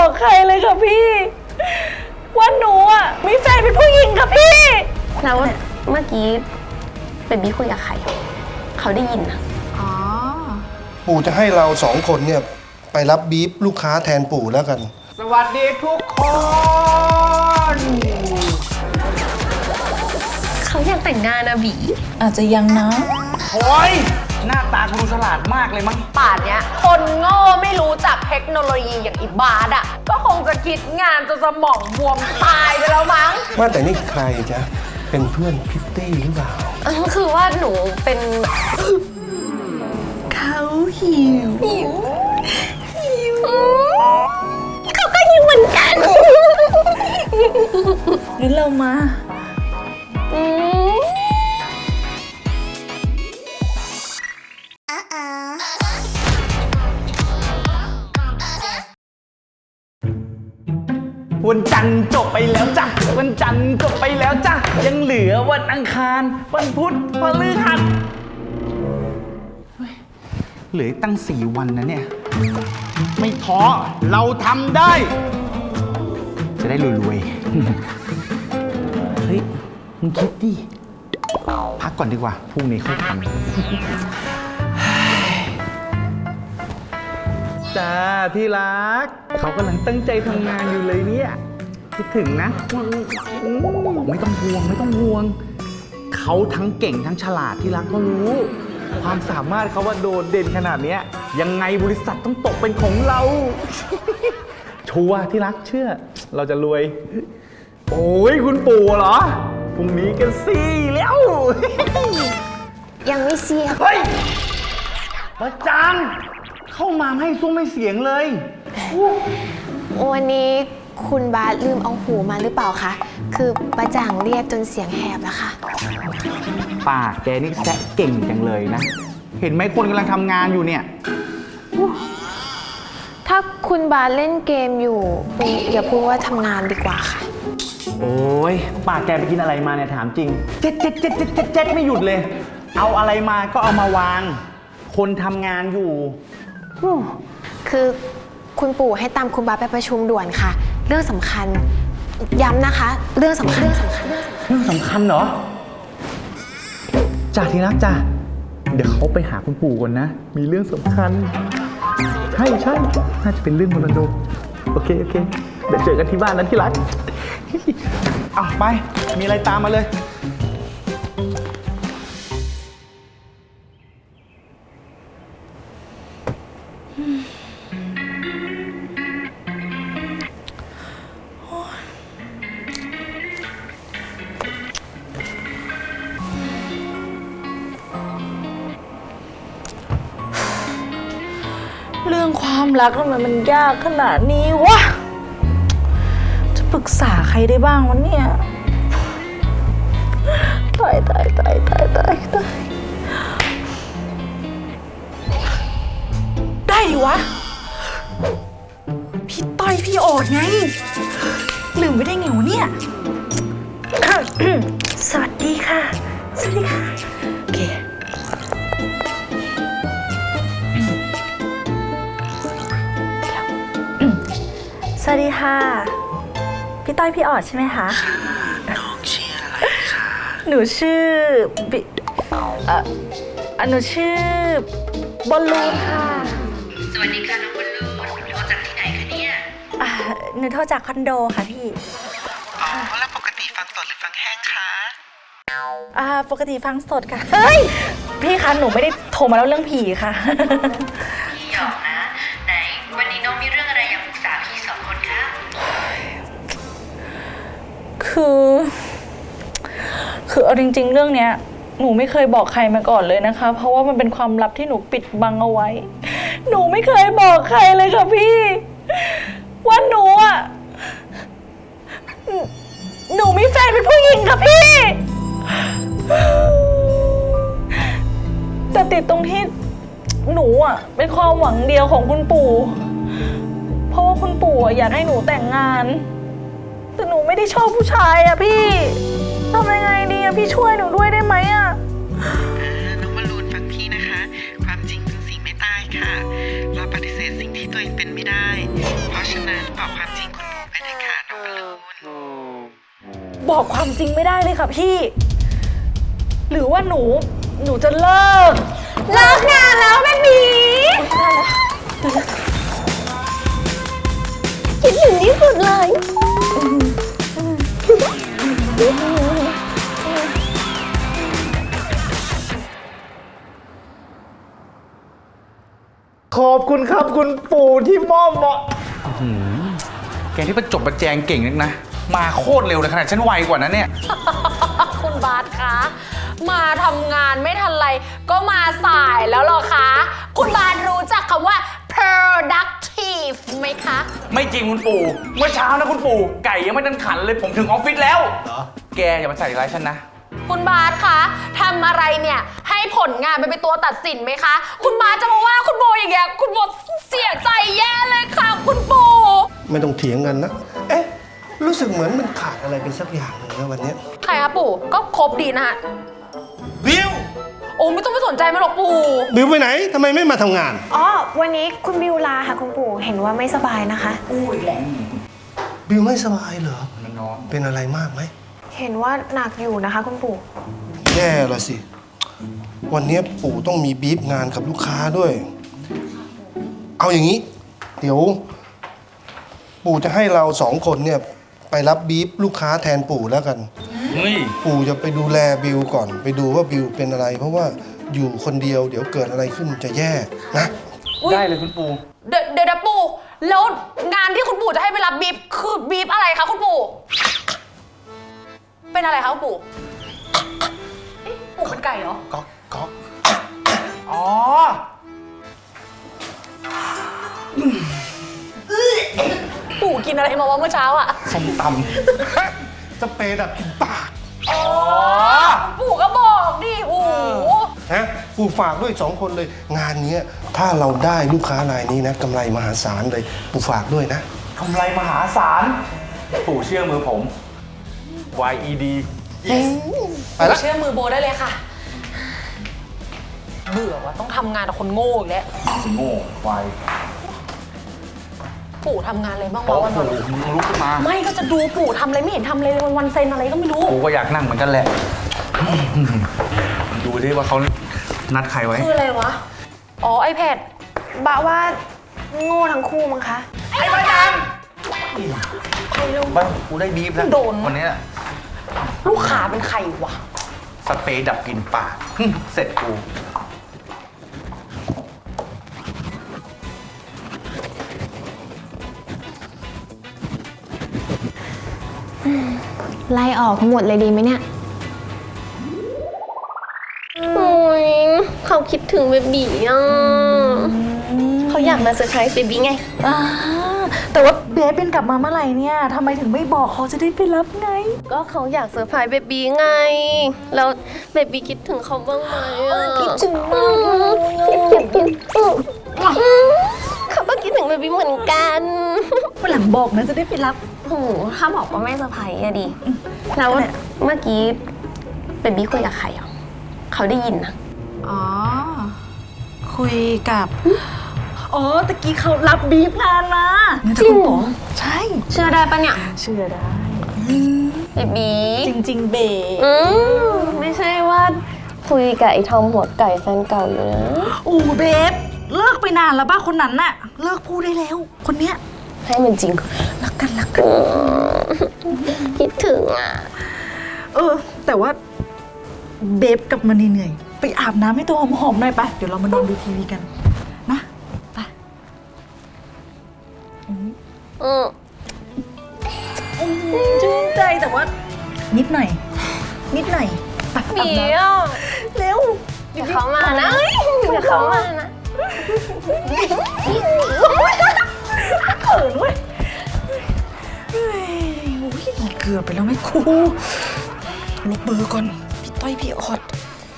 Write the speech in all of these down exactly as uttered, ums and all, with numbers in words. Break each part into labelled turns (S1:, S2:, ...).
S1: บอกใครเลยค่ะพี่ว่าหนูอ่ะมีแฟนเป็นผู้หญิงค่ะพี่
S2: แล้วเมื่อกี้เบบี้คุยกับใครเขาได้ยินนะ
S3: อ๋อ
S4: ปู่จะให้เราสองคนเนี่ยไปรับบีฟลูกค้าแทนปู่แล้วกัน
S5: สวัสดีทุกคน
S2: เขาอยากแต่งงานนะบี
S1: อาจจะยังนะ
S5: โอ้ยหน้าตาคุณฉลาดมากเลยมั้ง
S3: ป่านเนี้ยคนโง่ไม่รู้จักเทคโนโลยีอย่างอีบาร์ดอ่ะก็คงจะคิดงานจนสมองบวมตายไปแล้วมั้ง
S4: ว่าแต่นี่ใครจ๊ะเป็นเพื่อนพิตตี้หรือเปล่า
S2: คือว่าหนูเป็นเขาหิวหิวหิวเขาก็หิวเหมือนกัน
S1: งั้นเรามา
S5: วันจันทร์จบไปแล้วจ้ะวันจันทร์จบไปแล้วจ้ะยังเหลือวันอังคารวันพุธพฤหัสเหลือตั้งสี่วันนะเนี่ยไม่ท้อเราทำได้จะได้รวยๆเฮ้ยมึงคิดดิพักก่อนดีกว่าพรุ่งนี้ค่อยทำจ้าที่รักเขากำลังตั้งใจทำงานอยู่เลยเนี่ยคิดถึงนะไม่ต้องห่วงไม่ต้องห่วงเขาทั้งเก่งทั้งฉลาดที่รักก็รู้ความสามารถเขาว่าโดดเด่นขนาดนี้ยังไงบริษัทต้องตกเป็นของเราชัวร์ที่รักเชื่อเราจะรวยโอ้ยคุณปู่เหรอพรุ่งนี้กันสิแล้ว
S2: ยังไม่เสีย
S5: เฮ้ยประจังเข้ามาให้ซุ้มไม่เสียงเลย
S2: วันนี้คุณบาสลืมเอาหูมาหรือเปล่าคะคือประจ่างเรียกจนเสียงแหบแล้วค่ะ
S5: ปากแกนี่แซะเก่งจังเลยนะเห็นไหมคนกำลังทำงานอยู่เนี่ย
S2: ถ้าคุณบาสเล่นเกมอยู่อย่าพูดว่าทำงานดีกว่าค่ะ
S5: โอ้ยปากแกไปกินอะไรมาเนี่ยถามจริงเจ็ดเจ็ดเจ็ดเจ็ดเจ็ดเจ็ดไม่หยุดเลยเอาอะไรมาก็เอามาวางคนทำงานอยู่
S2: คือคุณปู่ให้ตามคุณบาสไปประชุมด่วนค่ะเรื่องสำคัญย้ำนะคะเรื่องสำคัญเรื่องสำคัญ
S5: เรื่องสำคัญเหรอจ่าทีรักจ้ะเดี๋ยวเขาไปหาคุณปู่ก่อนนะมีเรื่องสำคัญใช่ใช่น่าจะเป็นเรื่องมรดกโอเคโอเคเดี๋ยวเจอกันที่บ้านนั้นที่รักอ่ะไปมีอะไรตามมาเลย
S1: เรื่องความรักทำไมมันยากขนาดนี้วะจะปรึกษาใครได้บ้างวะเนี่ยตายตายตายตายตายตายได้ดิวะพี่ต้อยพี่โอดไงลืมไปได้ไงวะเนี่ย สวัสดีค่ะสวัสดีค่ะโอเคสวัสดีค่ะพี่ต้อยพี่ออดใช่ไหมคะ
S6: น้องชื่ออะไรคะ
S1: หนูชื่อบิเอ่อหนูชื่อบอลลูนค่ะ
S6: สวัสดีค่ะน้องบอลลูนโทรจากที่ไหนคะเนี่ย
S1: อ่าหนูโทรจากคอนโดค่ะพี่
S6: อ๋อแล้วปกติฟังสดหรือฟังแห้งคะ
S1: อ่าปกติฟังสดค่ะเฮ้ยพี่คะหนูไม่ได้โทรมาแล้วเรื่องผีค่ะ
S6: พี่หยอกนะไหนวันนี้น้องมีเรื่องอะไรอยากปรึกษาพี่สองคนคะ
S1: คือคือเอาจริงๆเรื่องเนี้ยหนูไม่เคยบอกใครมาก่อนเลยนะคะเพราะว่ามันเป็นความลับที่หนูปิดบังเอาไว้หนูไม่เคยบอกใครเลยค่ะพี่ว่าหนูอ่ะหนูมีแฟนเป็นผู้หญิงค่ะพี่แต่ติดตรงที่หนูอ่ะเป็นความหวังเดียวของคุณปู่เพราะว่าคุณปู่อยากให้หนูแต่งงานแต่หนูไม่ได้ชอบผู้ชายอ่ะพี่ทำยังไงดีอ่ะพี่ช่วยหนูด้วยได้ไหมอ่ะ
S6: น้องบอลลูนฟังพี่นะคะความจริงเป็นสิ่งไม่ตายค่ะเราปฏิเสธ
S7: ษสิ่งที่ตัวเองเป็นไม่ได้ เพราะฉะนั้นบอกความจริงคุณปู่ไปเถอะค่ะน้องบอลลูน
S1: บอกความจริงไม่ได้เลยค่ะพี่ หรือว่าหนู หนูจะเลิก
S3: เลิกงานแล้วแม่บีคิดถึงที่สุดเลย
S5: ขอบคุณครับคุณปู่ที่มอบเหมาะอื้อหือแกที่ประจบประแจงเก่งนักนะ มาโคตรเร็วเลยขนาดฉันไวกว่านั้นเนี่ย
S3: คุณบาสคะ มาทำงานไม่ทันไรก็มาสายแล้วเหรอคะ คุณบาสรู้จักคำว่า productive ไหมคะ
S5: ไม่จริงคุณปู่ เมื่อเช้านะคุณปู่ ไก่ยังไม่ทันขันเลยผมถึงออฟฟิศแล้ว
S4: เหรอ
S5: แกอย่ามาใส่ร้ายฉันนะ
S3: คุณบาสคะทำอะไรเนี่ยให้ผลงานเป็นตัวตัดสินไหมคะ คุณบาสจะมาว่าคุณโบอย่างเงี้ยคุณโบเสียใจแย่เลยค่ะคุณปู่
S4: ไม่ต้องเถียงกันนะ เอ๊ะ รู้สึกเหมือนมันขาดอะไรไปสักอย่างหนึ่งนะวันเนี้ย
S3: ใครคะปู่ก็ครบดีนะฮะ
S4: บิว
S3: โอ้ไม่ต้องไปสนใจมันหรอกปู่
S4: บิวไปไหนทำไมไม่มาทำงาน
S2: อ๋อ วันนี้คุณบิวลาค่ะคุณปู่ เห็นว่าไม่สบายนะคะ
S4: บิวไม่สบายเหรอ
S5: มันนอน
S4: เป็นอะไรมากไหม
S2: เห็นว่าหนักอยู่นะคะคุณปู่
S4: แย่ละสิ วันนี้ปู่ต้องมีบีฟงานกับลูกค้าด้วย เอาอย่างนี้ เดี๋ยว ปู่จะให้เราสองคนเนี่ยไปรับบีฟลูกค้าแทนปู่แล้วกัน
S5: เฮ้ย
S4: ปู่จะไปดูแลบิวก่อน ไปดูว่าบิวเป็นอะไร เพราะว่าอยู่คนเดียวเดี๋ยวเกิดอะไรขึ้นจะแย่นะ
S5: ได้เลยคุณปู่
S3: เดี๋ยวเดี๋ยวนะปู่แล้วงานที่คุณปู่จะให้ไปรับบีฟคือบีฟอะไรคะคุณปู่เป็นอะไรคะคุณปู่เอ๊ะปู่เป็นไก่เหรอ
S5: ก๊อกก๊อกอ๋อ
S3: ปู่กินอะไรมาวะเมื่อเช้าอ่ะ
S5: ส้มต
S4: สเปรย์ดับกลินปาก
S5: ำอ๋อ
S3: ปู่ก็บอกดิโอ้โห
S4: ฮะปู่ฝากด้วยสองคนเลย งานเนี้ยถ้าเราได้ลูกค้ารายนี้นะกำไรมหาศาลเลย ปู่ฝากด้วยนะ
S5: กำไรมหาศาล ปู่เชื่อมือผม วาย อี ดี
S4: ไปละ
S3: เชื่อมือโบได้เลยค่ะ เบื่อว่าต้องทำงานกับคนโง่อีกแล้ว
S5: สิโง่วาย
S3: ปู่ทำงานอะไรบ้าง
S5: โอ้
S3: วะวัน
S5: โห
S3: วัน
S5: มึงลุกขึ้นมา
S3: ไม่ก็จะดูปู่ทำอะไรไม่เห็นทำเลยวันวันๆเซ็นอะไรก็ไม่รู้
S5: กูก็อยากนั่งเหมือนกันแหละ ดูดิว่าเขานัดใครไว้
S3: คืออะไรวะ อ๋อ iPad
S2: บะว่าโง่ทั้งคู่มั้งคะ
S5: ไอ้บ้าจังบ้ากูได้บีฟแล้ว
S3: โดน
S5: วันนี้
S3: ลูกค้าเป็นใครวะ
S5: สเปรย์ดับกลิ่นปาก เสร็จกู
S2: ไล่ออกทั้งหมดเลยดีไหมเนี่ย
S8: โอ้ยเขาคิดถึงเบบีอ่ะเขาอยากมาเซอร์ไพรส์เบบีไง
S1: อ่าแต่ว่าเบสเป็นกลับมาเมื่อไหร่เนี่ยทำไมถึงไม่บอกเขาจะได้ไปรับไง
S8: ก็เขาอยากเซอร์ไพรส์เบบีไง แล้วเบบีคิดถึงเขาบ้างไหมอ่ะคิดถึงมากเขาก็คิดถึงเบบีเหมือนกัน
S1: วันหลังบอกนะจะได้ไปรับ
S8: โอ้โหถ้าบอกว่าไม่เซอร์ไพรส์อะดิแล้วเมื่อกี้เบบีคุยกับใครอ่ะเขาได้ยินนะ
S1: อ๋อ คุยกับ อ๋อตะกี้เขารับบีฟงานมา
S8: จริงเหรอ
S1: ใช่
S8: เชื่อได้ปะเนี่ย
S1: เชื่อได้
S8: เบบี
S1: จริง ๆ เบส
S8: อืมไม่ใช่ว่าคุยกับไอ้ทอมหัวไก่แฟนเก่าอยู่นะ
S1: โอ้เบสเลิกไปนานแล้วป้าคนนั้นน่ะ เลิกพูดได้แล้ว คนเนี้ย
S8: ให้มันจริง
S1: รักกันรักกัน
S8: คิดถึงอ่ะ
S1: เออ แต่ว่าเบฟกลับมาเหนื่อยๆไปอาบน้ำให้ตัวหอมๆหน่อยไปเดี๋ยวเรามานอนดูทีวีกันนะไป
S8: อืม
S1: ชื่นใจแต่ว่า นิดหน่อย นิดหน่อยไปอาบ
S8: เดี๋
S1: น้
S8: ยว
S1: ำเร็ว
S8: เดี๋ยวเขามานะเดี๋ยวเขามานะ
S1: เขินเว้ยเฮ้ยโอ้ยเกือบไปแล้วไหมครูลบเบอร์ก่อนพี่ต้อยพี่ออด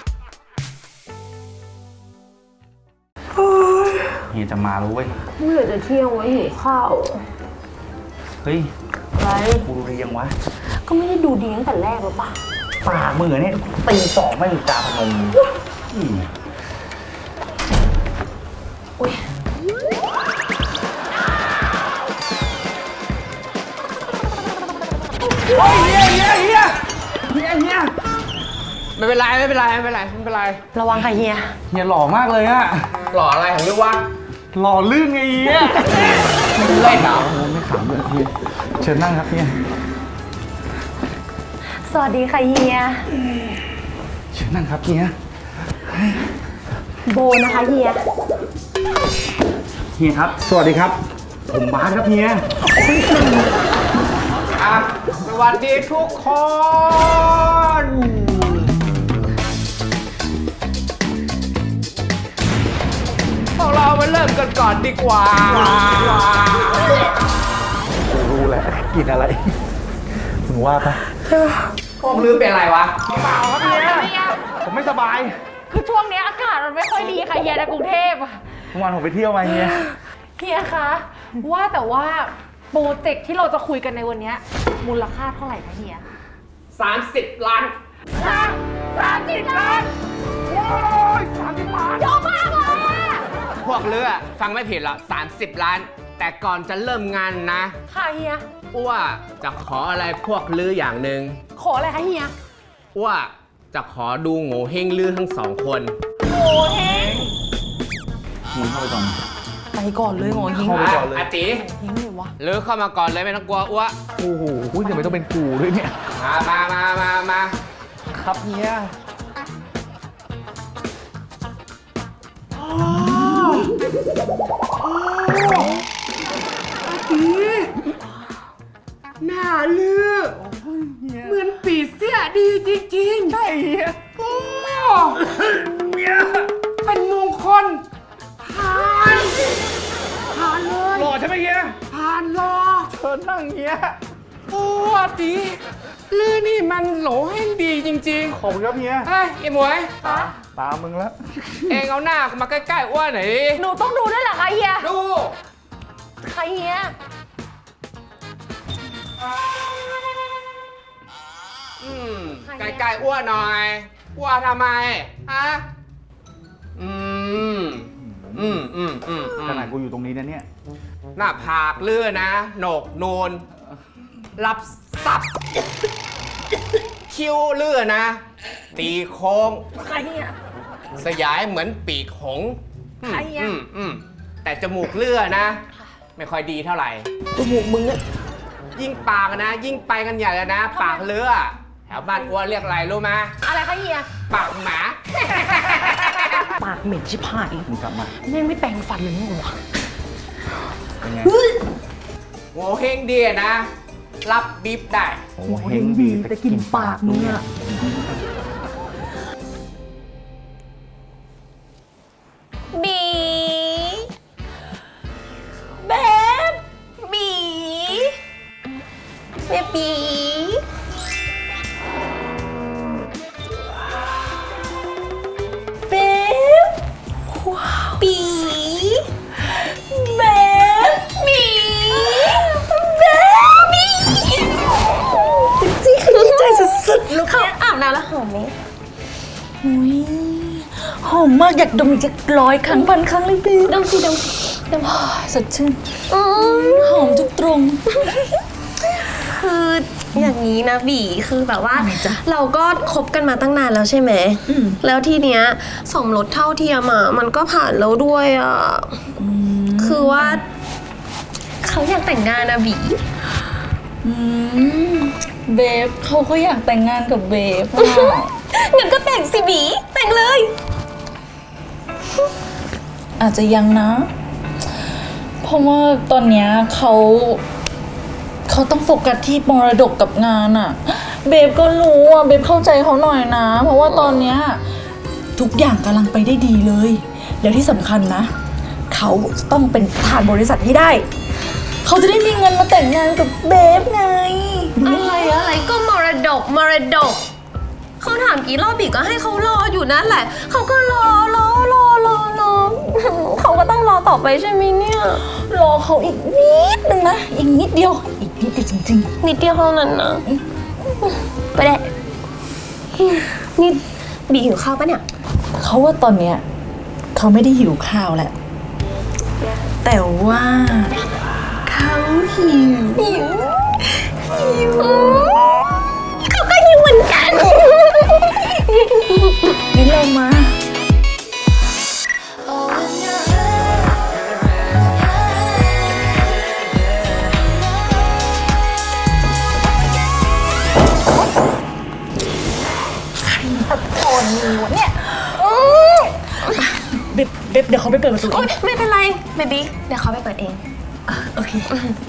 S5: เฮียจะมารู้เว้ย
S8: เมื่อจะเที่ยงไว้หิวข้าว
S5: เฮ้ย
S8: อะไร
S5: กูดูเรียงวะ
S8: ก็ไม่ได้ดูดีตั้งแต่แรกหรอปะ
S5: ปากมือเนี่ยตีสองไม่มีจาพนมอืม
S8: อุ้ย
S5: โอ้ยเฮียเฮียเฮียเฮียเฮีย
S9: ไม่เป็นไรไม่เป็นไรไม่เป็นไรไม่เป็นไร
S8: ระวังค่ะเฮีย
S5: เฮียหล่อมากเลยอะ
S9: หล่ออะไรของลูกวะ
S5: หล่อลื่นไงเฮีย
S9: เล่นเหรอ
S5: โอ้ไม่ขำเลยเฮียเชิญนั่งครับเฮีย
S8: สวัสดีค่ะเฮีย
S5: เชิญนั่งครับเฮีย
S8: โบนะคะเฮีย
S5: เฮียครับ สวัสดีครับ ผมบาสครับเฮีย
S9: อ่ะสวัสดีทุกคนพวกเรามาเริ่มกันก่อนดีกว่า
S5: รู้แหละกินอะไรมึงว่าปะ
S9: พวกลืมเป็นอะไรวะ
S5: ผมไม่สบาย
S1: คือช่วงนี้อากาศมันไม่ค่อยดีค่ะเฮียในกรุงเทพอะ
S5: เมื่อวานผมไปเที่ยวมาเฮีย
S1: เฮียคะว่าแต่ว่าโปรเจกต์ที่เราจะคุยกันในวันนี้มูลค่าเท่าไหร่คะเฮีย
S9: สามสิบล้าน
S1: สามสิบล้านโอ้ยสามสิบล้านเยอะมากเลยอะ
S9: พวกเรือฟังไม่ผิดหรอกสามสิบล้าน แต่ก่อนจะเริ่มงานนะ
S1: ค่ะเฮีย
S9: อ้วจะขออะไรพวกลืออย่างหนึ่ง
S1: ขออะไรคะเฮีย
S9: อ้วจะขอดูโง่เฮงลือทั้งสองคน
S1: โง่เฮง
S5: มึงเข้าไปก่อน
S1: ไปก่อนเลยโง่เฮง
S5: เข้าไปก่อนเลย
S9: อาติ
S1: เฮงเลยวะ
S9: ลือเข้ามาก่อนเลยไม่ต้องกลัวอ้ว
S5: โอ้โหเดี๋ยวไม่ต้องเป็นกูด้วยเนี่ย
S9: มามามามามา
S5: ครับเฮีย
S9: หน้าลือเหมือนปีเสื้อดีจริงๆ
S5: ใช่เฮีย
S9: โอ้เป็นมงคลผ่านผ่านเลย
S5: หล่อใช่ไหมเฮีย
S9: ผ่านรอ
S5: เชิญนั่งเฮีย
S9: โอ้อาติลือนี่มันโหลแห่งดีจริง
S5: ขอบคุณครับเฮีย
S9: ๆเฮ้ยไอ้หมวย
S5: ตามมึงแล้ว
S9: เองเอาหน้ามาใกล้ๆอ้วนหน่อยดิ
S1: หนูต้องดูด้วยเหรอคะเฮีย
S9: ดู
S1: ค่ะเฮีย
S9: อืมใกล้ๆอ้วนหน่อยอ้วนทำไมฮะอืมอืมอืมอืมอืม
S5: ขนาดกูอยู่ตรงนี้นะเนี่ย
S9: หน้าผากเลื่อนนะโหนกนูนรับสับคิ้วเลื่อนนะ ตีโค้ง
S1: ค่ะเฮีย
S9: สยายเหมือนปีกหงส์อืม
S1: ใครอะ
S9: อืมอืมแต่จมูกเลื่อนนะ ไม่ค่อยดีเท่าไหร่
S1: จมูกมึงอะ
S9: ยิ่งปากนะ ยิ่งไปกันใหญ่เลยนะ ปากเลือแถวบ้านอ้วนเรียกอะไรรู้ไหม
S1: อะไรคะเฮีย
S9: ปากหมา
S1: ปากเหม็นชิบหาย
S5: มึงกลับมา
S1: แม่งไม่แปรงฟันเลยมึงวะ
S5: เป็นไง
S9: โง่เฮงดีนะ รับบีบได้
S5: โอ้เฮงดีแต่กินปากมึงอะ
S8: บีเบฟบีเบบีเบฟว้าวบีเบฟบีเบฟบีจริงๆดีใจสุดๆลูกเขาอาบน้ำแล้วหอมไหม
S1: อุ้ยหอมมากอยากดมอีกสักร้อยครั้งพันครั้งเลยพี่
S8: ดมสิดมดม
S1: สดชื่น
S8: อืม
S1: หอมทุกตรง
S8: คืออย่างนี้นะบีคือแบบว่า
S1: ทำไมจ๊ะ
S8: เราก็คบกันมาตั้งนานแล้วใช่ไหม
S1: อืม
S8: แล้วทีเนี้ยสมรสเท่าเทียมอ่ะมันก็ผ่านแล้วด้วยอ่ะคือว่าเขาอยากแต่งงานนะบี
S1: อืมเบฟเขาก็อยากแต่งงานกับเบฟอะ
S8: งั้นก็แต่งสิบีแต่งเลย
S1: อาจจะยังนะ เพราะว่าตอนเนี้ยเขาเขาต้องโฟกัสที่มรดกกับงานอะเบฟก็รู้อะเบฟเข้าใจเขาหน่อยนะ เพราะว่าตอนเนี้ยทุกอย่างกำลังไปได้ดีเลย แล้วที่สำคัญนะ เขาต้องเป็นประธานบริษัทให้ได้ เขาจะได้มีเงินมาแต่งงานกับเบฟไง
S8: อะไรอะไรก็มรดกมรดกเขาถามกี่รอบบีก็ให้เขารออยู่นั่นแหละเขาก็รอรอรอรอรอเขาก็ต้องรอต่อไปใช่ไหมเนี่ย
S1: รอเขาอีกนิดนึงนะ อีกนิดเดียว อีกนิดเดียวจริง
S8: นิดเดียวเท่านั้นนะไปได้นี่บีหิวข้าวปะเนี่ย
S1: ๆ เขาว่าตอนเนี้ยเขาไม่ได้หิวข้าวแหละ แต่ว่าเขาหิว
S8: หิวหิว
S1: เขาไปเปิดประตู
S8: โอ๊ยไม่เป็นไรเบบี้เดี๋ยวเขาไปเปิดเอง
S1: โอเค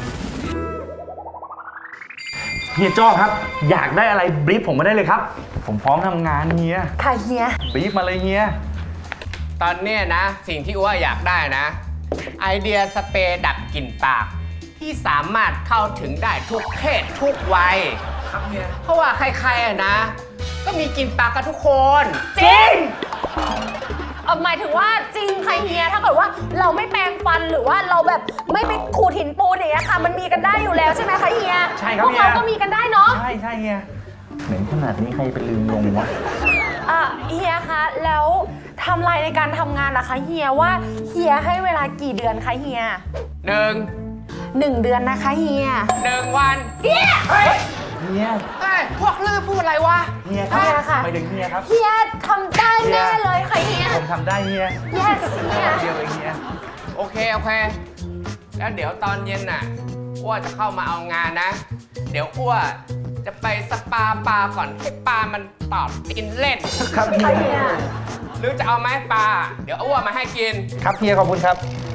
S5: เฮียจ้อครับ อยากได้อะไรบรีฟผมมาได้เลยครับ ผมพร้อมทำงานเฮีย
S8: ค่ะเฮีย
S5: บรีฟมาเลยเฮีย
S9: ตอนเนี้ยนะ สิ่งที่อ้วอยากได้นะ ไอเดียสเปรย์ดับกลิ่นปาก ที่สามารถเข้าถึงได้ทุกเพศทุกวัยครับเนี่ยเพราะว่าใครๆอะนะ ก็มีกลิ่นปากกันทุกคน
S3: จริงเอ่อหมายถึงว่าจริงค่ะเฮียถ้าเกิดว่าเราไม่แปรงฟันหรือว่าเราแบบไม่ไปขูดหินปูนอย่างเงี้ยค่ะ มันมีกันได้อยู่แล้วใช่ไหมคะเฮีย
S5: ใช่ครับ
S3: พวกเรา
S5: เฮีย
S3: ก็มีกันได้เนาะ
S5: ใช่ใช่เฮียเหม็นขนาดนี้ใครไปลืมลงวะ
S3: อ่ะเฮียคะแล้วไทำลายในการทำงานนะคะเฮียว่าเฮียให้เวลากี่เดือนคะเฮีย
S9: หนึ่ง
S3: หนึ่งเดือนนะคะเฮีย
S9: หนึ่งวัน
S3: เฮีย
S9: เฮ้ย
S5: เฮีย
S9: เฮ้ยพวกลือพูดอะไรวะ
S5: เฮียครับ
S3: เฮียค่ะ
S5: ไปถึงเฮียครับ
S3: เฮียทำได้แน่เลยค่ะเฮีย
S5: ผมทำได้เฮีย
S3: yes เฮีย
S5: เดียวเองเฮีย
S9: โอเค โอเค แล้วเดี๋ยวตอนเย็นน่ะอ้วจะเข้ามาเอางานนะ เดี๋ยวอ้วจะไปสปาปลาก่อนให้ปลามันตอบกินเล่น
S5: ครับเฮีย
S3: เฮีย
S9: หรือจะเอาไหมปลา เดี๋ยวอ้วมาให้กิน
S5: ครับเฮียขอบคุณครับ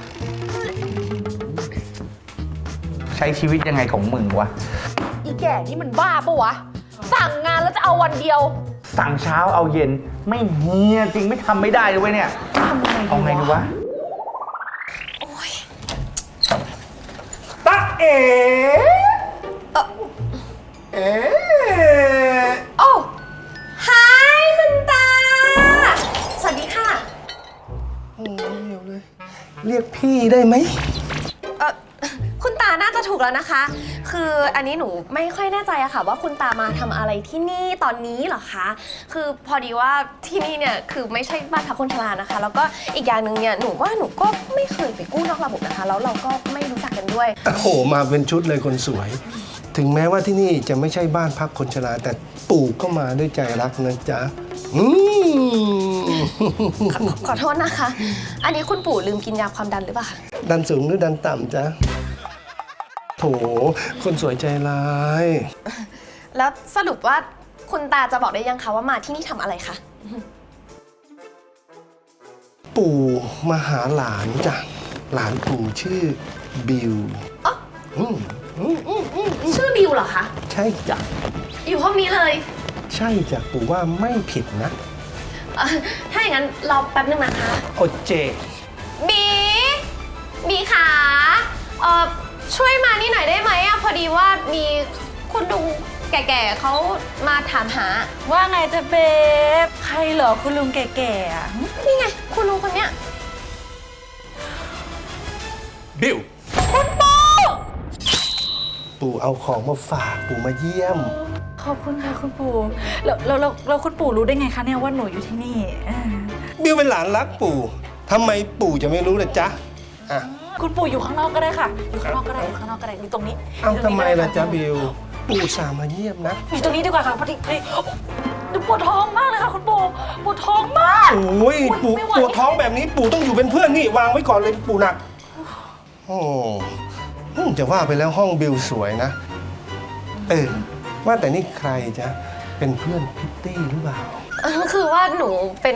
S5: ใช้ชีวิตยังไงของมึงวะ
S3: อีแก่นี่มันบ้าปะวะ สั่งงานแล้วจะเอาวันเดียว
S5: สั่งเช้าเอาเย็นไม่เฮียจริงไม่ทำไม่ได้เลยเว้ยเนี่ย
S3: ทำยังไง
S5: เอาไง
S3: ดี
S5: ดี
S3: วะ
S5: วะตะเอ๋เอ๋
S8: โอ้ฮายคุณตา สวัสดีค่ะ
S4: โอ้ยเดี๋ยวเลย เรียกพี่ได้ไหม
S8: เออคุณตาน่าจะถูกแล้วนะคะ คืออันนี้หนูไม่ค่อยแน่ใจอะค่ะ ว่าคุณตามาทำอะไรที่นี่ตอนนี้เหรอคะ คือพอดีว่าที่นี่เนี่ยคือไม่ใช่บ้านพักคนชรานะคะ แล้วก็อีกอย่างหนึ่งเนี่ยหนูว่าหนูก็ไม่เคยไปกู้นอกระบบนะคะ แล้วเราก็ไม่รู้จักกันด้วย
S4: โอ้โห มาเป็นชุดเลยคนสวย ถึงแม้ว่าที่นี่จะไม่ใช่บ้านพักคนชราแต่ปู่ก็มาด้วยใจรักนะจ๊ะ อืม
S8: ขอขอโทษนะคะ อันนี้คุณปู่ลืมกินยาความดันหรือเปล่าคะ
S4: ดันสูงหรือดันต่ำจ๊ะ โถ คนสวยใจร้าย
S8: แล้วสรุปว่าคุณตาจะบอกได้ยังคะว่ามาที่นี่ทำอะไรคะ
S4: ปู่มาหาหลานจ้ะ หลานปู่ชื่อบิว
S8: อ๋อ
S4: อืมอืมอืมอืม
S8: ชื่อบิวเหรอคะ
S4: ใช่จ้ะ
S8: อยู่ห้องนี้เลย
S4: ใช่จ้ะ ปู่ว่าไม่ผิดนะ
S8: เอ่อถ้าอย่างนั้นรอแป๊บนึงนะคะ
S4: โอเจ
S8: บีบีขาเอ่อช่วยมานี่หน่อยได้ไหมอะพอดีว่ามีคุณลุงแก่ๆเขามาถามหา
S1: ว่าไงจะเบฟใครเหรอคุณลุงแก่ๆอะ
S8: นี่ไง คุณลุงคนเนี้ย
S9: บิว
S4: ปู่เอาของมาฝาก ปู่มาเยี่ยม
S1: ขอบคุณค่ะคุณปู่แล้วแล้วแล้วแล้วคุณปู่รู้ได้ไงคะเนี่ยว่าหนูอยู่ที่นี่เออ
S4: บิวเป็นหลานรักปู่ทำไมปู่จะไม่รู้ล่ะจ๊ะอ่ะ
S1: คุณปู่อยู่ข้างนอกก็ได้ค่ะ อยู่ข้างนอกก็ได้อยู่ข้างนอกก็ได้อยู่ตรงนี้
S4: เอ้า
S1: ยู่ตร
S4: ทำ
S1: งนี้
S4: ไม
S1: ก็ด้
S4: ล่ะจ๊ะ
S1: ค่
S4: บิว ปู่สามาเยี่ยมนะ
S1: อยู่ตรงนี้ดีกว่าค่ะพอดีพอดีหนูปวดท้องมากเลยค่ะคุณปู่ปวดท้องมาก
S4: โอ้ยปู่
S1: ไม่ไหว
S4: ปวดท้องแบบนี้ปู่ต้องอยู่เป็นเพื่อนนี่วางไว้ก่อนเลยปู่หนัก โอ้อืมจะว่าไปแล้วห้องบิวสวยนะ เออ ว่าแต่นี่ใครจ๊ะ เป็นเพื่อนพิตตี้หรือเปล่า
S8: เออคือว่าหนูเป็น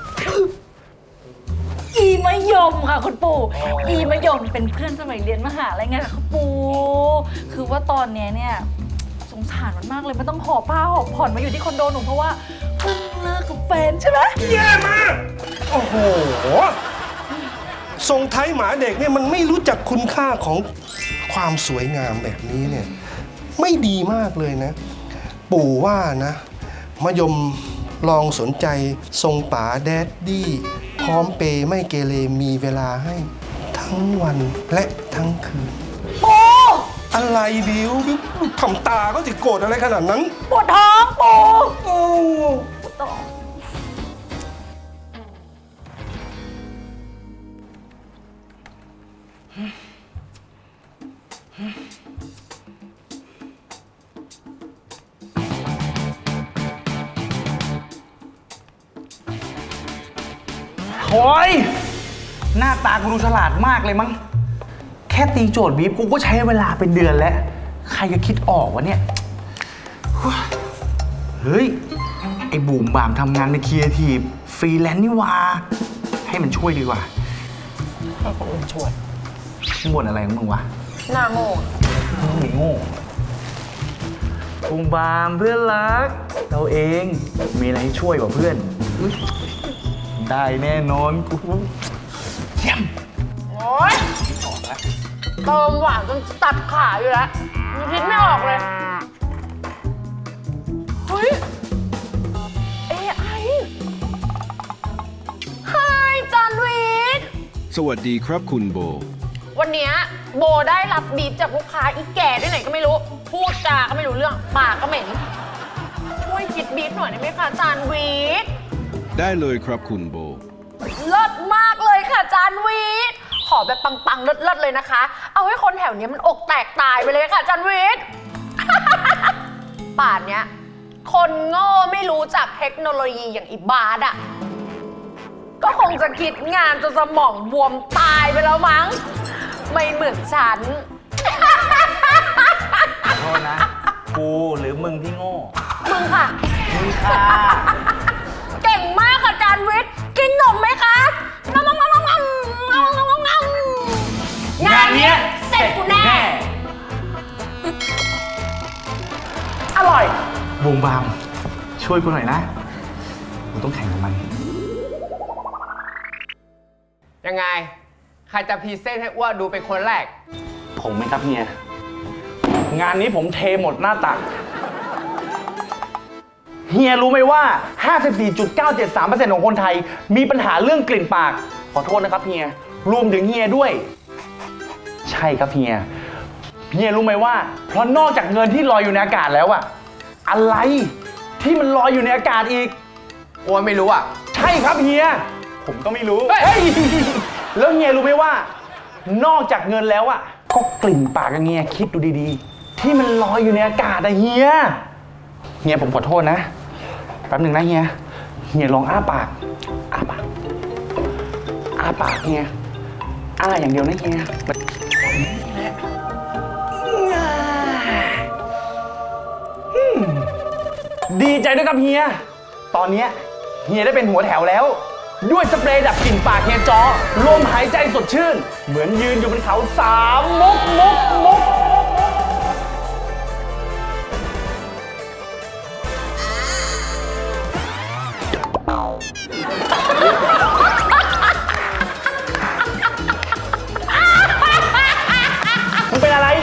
S1: อีมะยมค่ะคุณปู่อีมะยมเป็นเพื่อนสมัยเรียนมหาลัยไงค่ะคุณปู่คือว่าตอนเนี้ยเนี่ยสงสารมันมากเลยมันต้องหอบผ้าหอบผ่อนมาอยู่ที่คอนโดหนูเพราะว่าเพิ่งเลิกกับแฟนใช่ไหม
S4: แย่มาก โอ้โห ทรงไทยหมาเด็กเนี่ยมันไม่รู้จักคุณค่าของความสวยงามแบบนี้เนี่ย ไม่ดีมากเลยนะ ปู่ว่านะมะยมลองสนใจทรงป๋าแดดดี้พร้อมเปย์ไม่เกเรมีเวลาให้ทั้งวันและทั้งคืน
S1: ปู่
S4: อะไรบิวบิวทำตาก็จะโกรธอะไรขนาดนั้น
S1: ปวดท้องปู่
S4: โอ้
S1: ปวดท้อง
S5: โอ้ยหน้าตากูดูฉลาดมากเลยมั้ง แค่ตีโจทย์บีบกูก็ใช้เวลาเป็นเดือนแล้ว ใครจะคิดออกวะเนี่ย เฮ้ย ไอ้บูมบามทำงานในครีเอทีฟฟรีแลนซ์นี่หว่า ให้มันช่วยดีกว่า
S3: ให้คนอื่นช่วย
S5: มึงบ่นอะไรของมึงวะ
S3: หน้าโง่
S5: มึงไม่โง่บูมบามเพื่อนรัก เราเองมีอะไรให้ช่วยกว่าเพื่อนอุ๊ยได้แน่นอนกูเยี่ยม
S3: โอ๊ยเติมหวานจนตัดขาอยู่แล้วยังคิดไม่ออกเลย เฮ้ย เอไอ Hi จานวิทย์
S10: สวัสดีครับคุณโบ
S3: วันเนี้ยโบได้รับบีบจากลูกค้าอีแก่ที่ไหนก็ไม่รู้ พูดจาก็ไม่รู้เรื่อง ปากก็เหม็น ช่วยคิดบีบหน่อยได้ไหมคะจานวิทย์
S10: ได้เลยครับคุณโบ
S3: เลิศมากเลยค่ะจานวิทย์ ขอแบบปังๆ เลิศๆเลยนะคะ เอาให้คนแถวเนี้ยมันอกแตกตายไปเลยค่ะจานวิทย์ ป่านเนี้ย คนโง่ไม่รู้จักเทคโนโลยีอย่างอิบาดอะก็คงจะคิดงานจนสมองบวมตายไปแล้วมั้ง ไม่เหมือนฉัน
S5: ขอโทษนะ กูหรือมึงที่โง่
S3: มึงค่ะ
S5: มึงค่ะ
S3: เก่งมากค่ะจานวิทย์ กินนมไหมคะงำงำงำงำงำงำงำงำงานเนี้ยเสร็จกูแน่ อร่อย
S5: บูมบาม ช่วยกูหน่อยนะกูต้องแข่งกับมัน
S9: ยังไง ใครจะพรีเซนต์ให้อ้วนดูเป็นคนแรก
S5: ผมไหมครับเฮีย งานนี้ผมเทหมดหน้าตัก เฮียรู้ไหมว่า ห้าสิบสี่จุดเก้าเจ็ดสามเปอร์เซ็นต์ ของคนไทย มีปัญหาเรื่องกลิ่นปาก ขอโทษนะครับเฮีย รวมถึงเฮียด้วย ใช่ครับเฮีย เฮียรู้ไหมว่า เพราะนอกจากเงินที่ลอยอยู่ในอากาศแล้วอะอะไรที่มันลอยอยู่ในอากาศอีก
S9: อ้วนไม่รู้อ่ะ
S5: ใช่ครับเฮีย ผมก็ไม่รู้
S9: เฮ้ย
S5: เฮ้ยแล้วเฮียรู้ไหมว่า นอกจากเงินแล้วอะก็กลิ่นปากอะเฮียคิดดูดีๆ ที่มันลอยอยู่ในอากาศอะเฮีย เฮียผมขอโทษนะ แป๊บหนึ่งนะเฮีย เฮียลองอ้าปาก อ้าปาก อ้าปากเฮีย อ้าอย่างเดียวนะเฮีย ดีใจด้วยครับเฮีย ตอนเนี้ยเฮียได้เป็นหัวแถวแล้ว ด้วยสเปรย์ดับกลิ่นปากเฮียจอ ลมหายใจสดชื่น เหมือนยืนอยู่บนเขาสามมุกมุกมุกมึงเป็นอะไร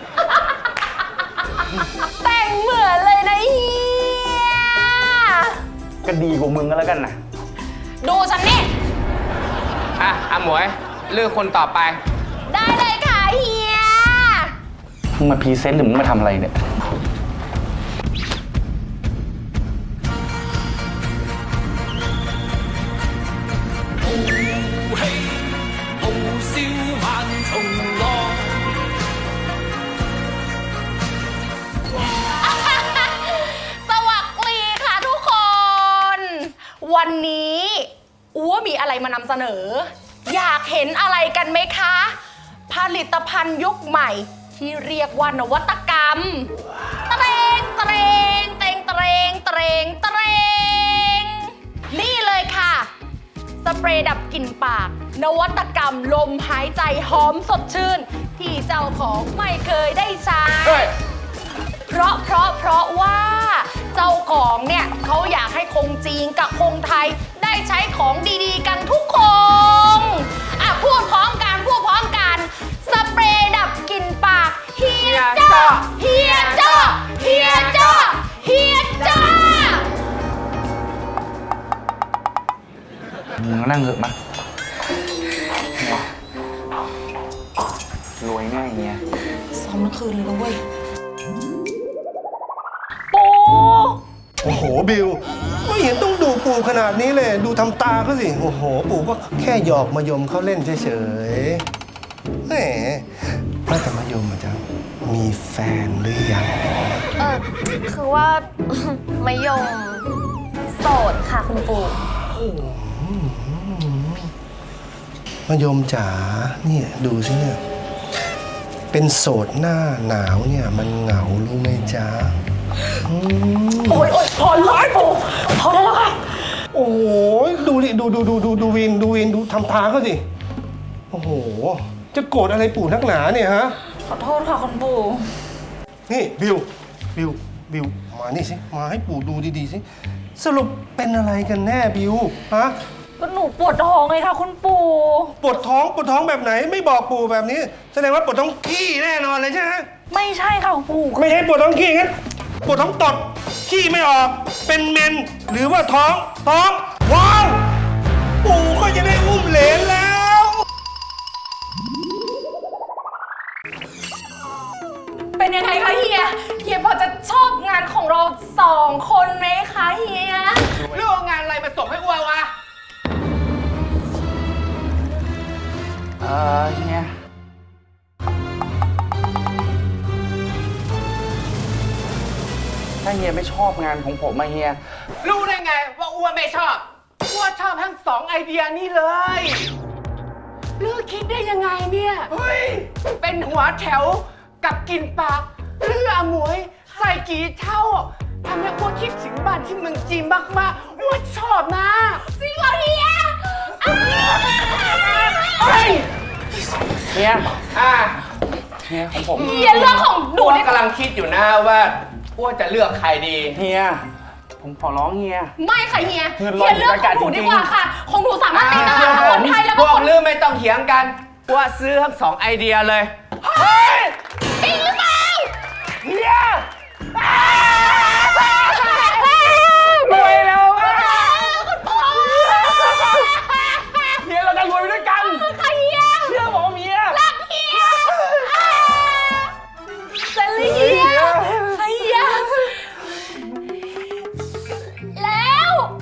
S3: แต่งเหมือนเลยนะเฮีย
S5: ก็ดีกว่ามึงก็แล้วกันนะ
S3: ดูฉันนี่
S9: อ่ะอาหมวย เลือกคนต่อไป
S3: ได้เลยค่ะเฮีย
S5: มึงมาพรีเซนต์หรือมึงมาทำอะไรเนี่ย
S3: สวัสดีค่ะทุกคน วันนี้อัวมีอะไรมานำเสนอ อยากเห็นอะไรกันไหมคะ ผลิตภัณฑ์ยุคใหม่ที่เรียกว่านวัตกรรม เตรงเตรงเตรงเตรงเตรงเตรงนี่เลยค่ะ สเปรย์ดับกลิ่นปาก นวัตกรรมลมหายใจหอมสดชื่น ที่เจ้าของไม่เคยได้ใช้
S9: เฮ้ย
S3: เพราะเพราะเพราะว่าเจ้าของเนี่ยเขาอยากให้คงจีนกับคงไทยได้ใช้ของดีๆกันทุกคนอ่ะพูดพร้อมกันพูดพร้อมกันสเปรย์ดับกลิ่นปากเฮียจ้าเฮียจ้าเฮียจ้าเฮียจ้า
S5: มึงนั่งเถอะมะรวยแน่เฮีย
S1: ซ้อมทั้งคืนเลยนะเว้ย
S3: ปู
S4: โอ้โหบิวไม่เห็นต้องดูปู่ขนาดนี้เลย ดูทำตาเขาสิ โอ้โห ปู่ก็แค่หยอกมายมเขาเล่นเฉยๆแหมว่าแต่มายมอาจารย์มีแฟนหรือยัง
S8: เออคือว่า มะยมโสดค่ะคุณปู่
S4: มายมจ๋าเนี่ยดูสิเนี่ย เป็นโสดหน้าหนาวเนี่ย มันเหงารู้ไหมจ๊ะอืม
S3: โอ้ยโอ้ยพอร้อยปูพอได้แล้วค่ะ
S4: โอ้โหดูดิดูดูดูดูดูวินดูวินดูทำตาเขาสิ โอ้โห จะโกรธอะไรปู่นักหนาเนี่ยฮะ
S1: ขอโทษค่ะคุณปู่
S4: นี่บิว บิว บิว มานี่สิ มาให้ปู่ดูดีๆสิ สรุปเป็นอะไรกันแน่บิว ฮะ
S1: ก็หนูปวดท้องเลยค่ะคุณปู่
S4: ปวดท้อง ปวดท้องแบบไหน ไม่บอกปู่แบบนี้ แสดงว่าปวดท้องขี้แน่นอนเลยใช่ไหม
S1: ไม่ใช่ค่ะคุณปู่
S4: ไม่ใช่ปวดท้องขี้งั้น ปวดท้องตด ขี้ไม่ออก เป็นเมน หรือว่าท้อง ท้อง ว้าว ปู่ก็จะได้อุ้มเหลนแล้ว
S3: เป็นยังไงคะเฮีย เฮียพอจะชอบงานของเราสองคนไหมคะเฮีย
S9: เรื่องงานอะไรมาส่งให้อ้ววะ
S5: เออเฮียถ้าเฮียไม่ชอบงานของผมมาเฮีย
S9: รู้ได้ไงว่าอ้วไม่ชอบอ้วชอบทั้งสองไอเดียนี่เลยเลือกคิดได้ยังไงเนี่ย เฮ้ย เป็นหัวแถวกับกินปากเลือหมวยใส่กี่เท่าทำให้อ้วคิดถึงบ้านที่เมืองจีนมากๆอ้วชอบนะจริงเหรอเฮียเฮ้ย
S5: เฮีย
S9: อ่ะ
S5: เฮียของผม
S3: เฮียเรื่องของหนู
S9: อ้ว
S3: นี่
S9: กำลังคิดอยู่นะว่าอ้วจะเลือกใครดี
S5: เฮีย ผมขอร้องเฮีย
S3: ไม่ค่ะเฮีย
S5: เงิน
S3: เฮียเรื่องของหนู
S5: จริ
S3: ดี
S5: งๆ
S3: กว่าค่ะ ของหนูสามารถตีตลาดคนไทยแล้ว
S9: พ
S3: ก็
S9: ว
S3: ค
S9: ก
S3: น
S9: ลือไม่ต้องเถียงกันว่าซื้อทั้งสองไอเดียเลย เฮ้ย
S3: จริงหรือเปล่า
S9: เฮียรวยแล้วอะเฮียเราจะรวยไปด้วยกัน
S3: ค่ะเฮีย
S9: เชื่อผมเฮีย
S3: รักเฮียเซลลี่เฮียเฮียแล้ว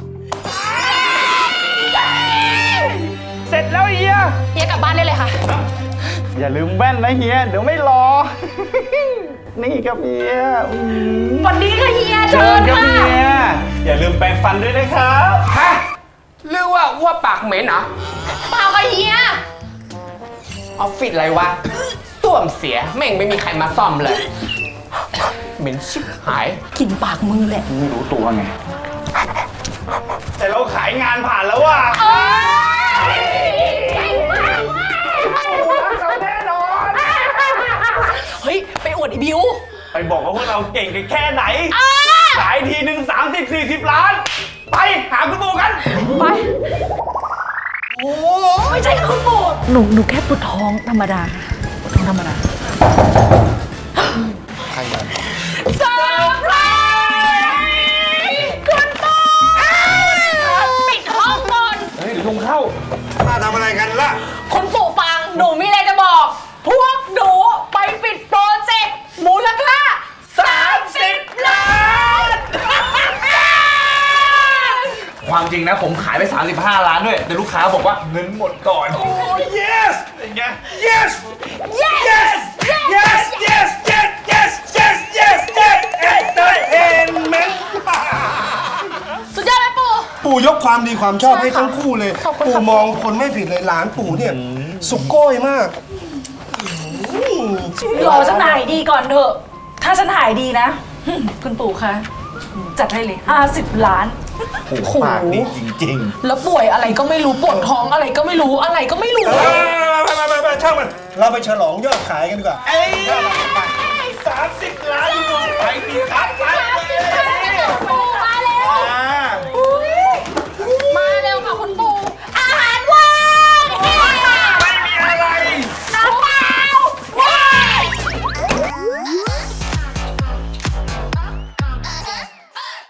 S5: เสร็จแล้วเฮีย
S3: เฮียกลับบ้านได้เลยค่ะ
S5: อย่าลืมแว่นนะเฮีย เดี๋ยวไม่รอ นี่ครับเฮียอืม
S3: สวัสดีค่ะเฮีย
S5: เชิ
S3: เชิ
S5: ญ
S3: ญ
S5: ครับ
S3: ค่ะ
S5: เฮีย อย่าลืมแปรงฟันด้วยนะครับ
S9: ฮะหรือว่าอ้วปากเหม็นเหรอ
S3: เปล่าค่ะเฮีย
S9: ออฟฟิศอะไรวะส้วมเสียแม่งไม่มีใครมาซ่อมเลย เหม็นชิบหาย
S3: กินปากมือแหละ
S5: ไม่รู้ตัวไง แต่เราขายงานผ่านแล้วว่ะ
S3: เอ้ยเก่งมากเว้ย
S5: แน่นอน
S3: เฮ้ย ไปอวดไอ้บิว
S5: ไปบอกว่าพวกเราเก่งกันแค่ไหน
S3: อ่า
S5: ขายทีหนึ่งสามสิบสี่สิบล้าน ไปหาคุณปู่กัน
S3: ไป โอ้ไม่ใช่ค่ะคุณปู่
S1: หนูหนูแค่ปวดท้องธรรมดาปวดท้องธรรมดา
S4: ใครมา
S3: เซอร์ไพรส์คุณปู่ปิดห้องก่อน
S5: เฮ้ยเดี๋ยวลุงเข้า
S4: มาทำอะไรกันล่ะ
S3: คุณปู่ฟัง หนูมีอะไรจะบอก พวกหนูไปปิดโปรเจกต์มูลค่าสามสิบล้าน
S5: ความจริงนะผมขายไป สามสิบห้า ล้านด้วย แต่ลูกค้าบอกว่าเงินหมดก่อน yes อย่างเงี้ย
S4: yes
S3: yes
S4: yes yes yes yes yes yes yes yes entertainment
S3: สุดยอดไหมปู่
S4: ปู่ยกความดีความชอบให้
S3: ใช่ค่ะ
S4: ทั้งคู่เลย
S3: ขอบคุณ
S4: ปู่
S3: ค่ะ
S4: มองคนไม่ผิดเลยหลานปู่เนี่ย สุโก้ยมาก
S1: รอฉันหายดีก่อนเถอะ ถ้าฉันหายดีนะ คุณปู่คะ จัดให้เลยห้าสิบล้าน
S5: โอ้โหปากดีจริง
S3: แล้วป่วยอะไรก็ไม่รู้ปวดท้องอะไรก็ไม่รู้อะไรก็ไม่รู้
S4: ไปไปไปไปช่างมัน เราไปฉลองยอดขายกันดีกว่า
S5: ๆ เอ้ยสามสิบล้านไปดีครับ